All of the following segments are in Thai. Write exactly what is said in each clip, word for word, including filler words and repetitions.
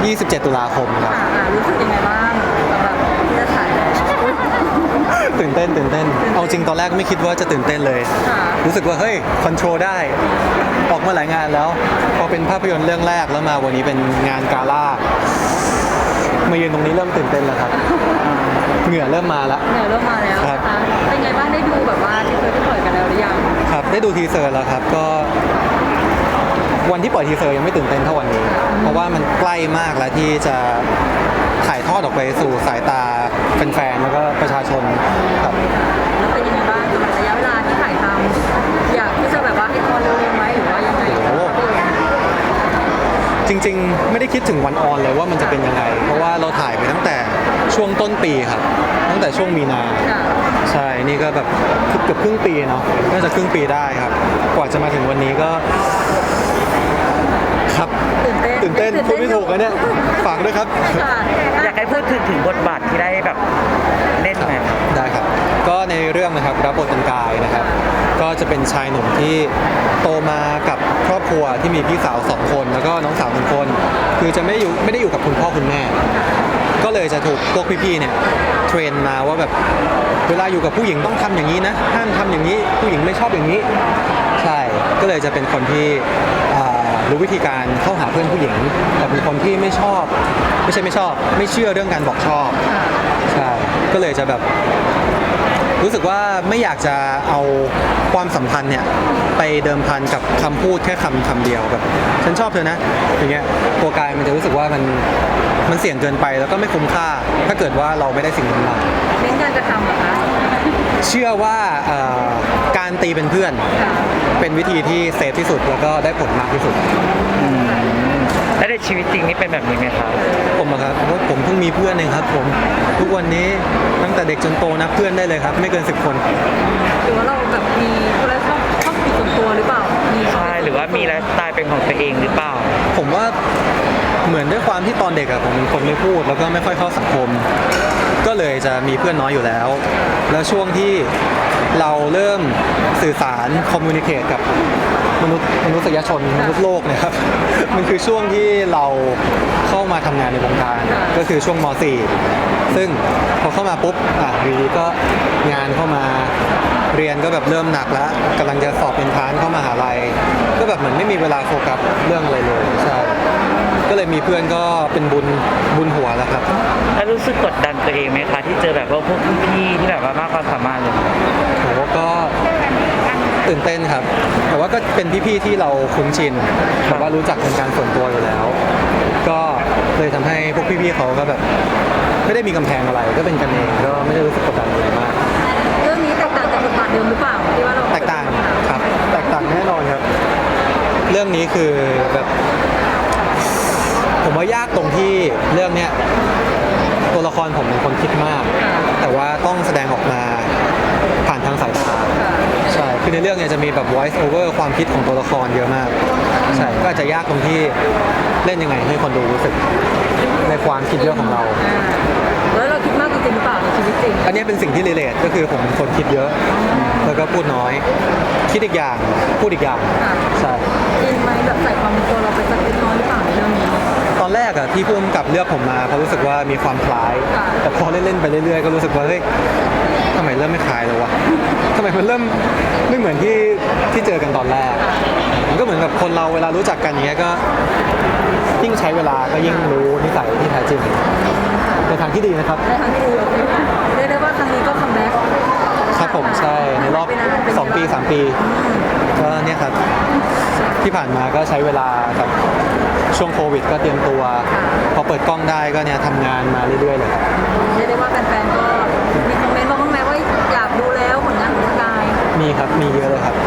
ยี่สิบเจ็ด ตุลาคมครับรู้สึกยังไงบ้างสำหรับที่จะถ่ายตื่นเต้นตื่นเต้นเอาจริงตอนแรกไม่คิดว่าจะตื่นเต้นเลยรู้สึกว่าเฮ้ยคอนโทรลได้ออกมาหลายงานแล้วพอเป็นภาพยนตร์เรื่องแรกแล้วมาวันนี้เป็นงานกาล่ามายืนตรงนี้เริ่มตื่นเต้นแล้วครับเหงื่อเริ่มมาแล้วเหงื่อเริ่มมาแล้วครับเป็นไงบ้างได้ดูแบบว่าที่เคยได้ปล่อยกันแล้วหรือยังครับได้ดูทีเซอร์แล้วครับก็วันที่ปล่อยทีเซอร์ยังไม่ตื่นเต้นเท่าวันนี้เพราะว่ามันใกล้มากแล้วที่จะถ่ายทอดออกไปสู่สายตาแฟนๆแล้วก็ประชาชนครับแล้วเป็นยังไงบ้างสำหรับระยะเวลาที่ถ่ายทำอยากที่จะแบบว่าให้ออนเร็วๆไหมหรือว่ายังไงจริงๆไม่ได้คิดถึงวันออนเลยว่ามันจะเป็นยังไงเพราะว่าเราถ่ายไปตั้งแต่ช่วงต้นปีครับตั้งแต่ช่วงมีนาใช่นี่ก็แบบเกือบครึ่งปีเนาะน่าจะครึ่งปีได้ครับกว่าจะมาถึงวันนี้ก็ครับตื่นเต้นพูดไม่ถูกนะเนี่ยฝากด้วยครับอยากให้พูดถึงถึงบทบาทที่ได้แบบเล่นไหมได้ครับก็ในเรื่องนะครับรับบทเป็นกายนะครับก็จะเป็นชายหนุ่มที่โตมากับครอบครัวที่มีพี่สาวสองคนแล้วก็น้องสาวหนึ่งคนคือจะไม่อยู่ไม่ได้อยู่กับคุณพ่อคุณแม่ก็เลยจะถูกพวกพี่ๆเนี่ยเทรนมาว่าแบบเวลาอยู่กับผู้หญิงต้องทำอย่างนี้นะห้ามทำอย่างนี้ผู้หญิงไม่ชอบอย่างนี้ใช่ก็เลยจะเป็นคนที่รู้วิธีการเข้าหาเพื่อนผู้หญิงแต่เป็นคนที่ไม่ชอบไม่ใช่ไม่ชอบไม่เชื่อเรื่องการบอกชอบใช่ก็เลยจะแบบรู้สึกว่าไม่อยากจะเอาความสัมพันธ์เนี่ยไปเดิมพันกับคำพูดแค่คำคำเดียวแบบฉันชอบเธอนะอย่างเงี้ยตัวกายมันจะรู้สึกว่ามันมันเสี่ยงเกินไปแล้วก็ไม่คุ้มค่าถ้าเกิดว่าเราไม่ได้สิ่งนั้นมาเน้นการกระทำเหรอคะเชื่อว่าการตีเป็นเพื่อนเป็นวิธีที่เซฟที่สุดแล้วก็ได้ผลมากที่สุดแล้วในชีวิตจริงนี่เป็นแบบนี้ไหมครับผมอะครับเพราะผมเพิ่งมีเพื่อนเองครับผมทุกวันนี้ตั้งแต่เด็กจนโตนับเพื่อนได้เลยครับไม่เกินสิบคนหรือว่าเราแบบมีคนละชอบชอบส่วนตัวหรือเปล่าใช่หรือว่ามีไลฟ์สไตล์เป็นของตัวเองหรือเปล่าผมว่าเหมือนด้วยความที่ตอนเด็กอะผมเป็นคนไม่พูดแล้วก็ไม่ค่อยเข้าสังคมก็เลยจะมีเพื่อนน้อยอยู่แล้วแล้วช่วงที่เราเริ่มสื่อสารคอมมูนิเคตกับมนุษย์มนุษยชนมนุษย์โลกนะครับมันคือช่วงที่เราเข้ามาทำงานในวงการก็คือช่วงม .สี่ ซึ่งพอเข้ามาปุ๊บอ่ะวีก็งานเข้ามาเรียนก็แบบเริ่มหนักแล้วกำลังจะสอบเป็นทานเข้ามหาลัยก็แบบเหมือนไม่มีเวลาโฟกัสเรื่องอะไรเลยใช่ก็เลยมีเพื่อนก็เป็นบุญบุญหัวแล้วครับแล้วรู้สึกกดดันตัวเองไหมคะที่เจอแบบว่าพวกพี่ที่แบบว่ามากความสามารถเลยโหก็ตื่นเต้นครับแต่ว่าก็เป็นพี่ๆที่เราคุ้นชินแบบว่ารู้จักเป็นการส่วนตัวอยู่แล้วก็เลยทำให้พวกพี่ๆเขาก็แบบไม่ได้มีกำแพงอะไรก็เป็นกันเองก็ไม่ได้รู้สึกกดดันอะไรมากเรื่องนี้แตกต่างจากบทบาทเดิมหรือเปล่าที่ว่าเราแตกต่างครับแตกต่างแน่นอนครับเรื่องนี้คือแบบผมว่ายากตรงที่เรื่องเนี้ยตัวละครผมเป็นคนคิดมากแต่ว่าต้องแสดงออกมาผ่านทางสายตาใช่คือในเรื่องเนี่ยจะมีแบบ voice over ความคิดของตัวละครเยอะมากใช่ก็อาจจะยากตรงที่เล่นยังไงให้คนดูรู้สึกในความคิดเยอะของเราแล้วเราคิดมากจริงหรือเปล่าในชีวิตจริงอันนี้เป็นสิ่งที่รีเลทก็คือผมเป็นคนคิดเยอะแล้วก็พูดน้อยคิดอีกอย่างพูดอีกอย่างใช่จริงไหมแบบใส่ความเป็นตัวเราไปสักเล็กน้อยหรือเปล่าในเรื่องนี้ตอนแรกอะที่พุ่มกับเลือกผมมาเพราะรู้สึกว่ามีความคล้ายแต่พอเล่นๆไปเรื่อยๆก็รู้สึกว่าเฮ้ยทำไมเริ่มไม่คล้ายเลยวะทำไมมันเริ่มไม่เหมือนที่ที่เจอกันตอนแรกมันก็เหมือนกับคนเราเวลารู้จักกันอย่างเงี้ยก็ยิ่งใช้เวลาก็ยิ่งรู้นิสัยที่แท้จริงในทางที่ดีนะครับในทางที่ดีเรียกได้ว่าครั้งนี้ก็คัมแบ็กครับผมใช่ในรอบสองปีสามปีก็เนี่ยครับที่ผ่านมาก็ใช้เวลากับช่วงโควิดก็เตรียมตัวพอเปิดกล้องได้ก็เนี่ยทำงานมาเรื่อยๆเลยครับเรียกได้ว่าแฟนๆก็มีคอมเมนต์มาบ้างไหมว่าอยากดูแล้วผลงานของกายมีครับมีเยอะเลยครับ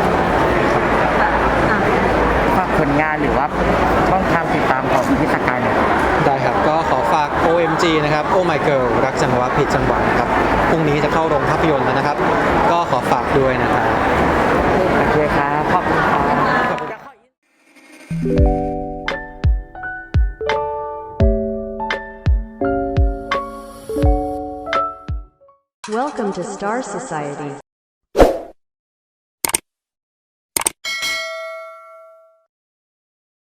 ฝากผลงานหรือว่าช่องทางติดตามของพี่สกายเนี่ยได้ครับก็ขอฝาก โอ เอ็ม จี นะครับ Oh My Girl รักจังหวะผิดจังหวะครับพรุ่งนี้จะเข้าโรงภาพยนตร์แล้วนะครับก็ขอฝากด้วยนะครับโอเคครับขอบคุณครับ Welcome to Star Society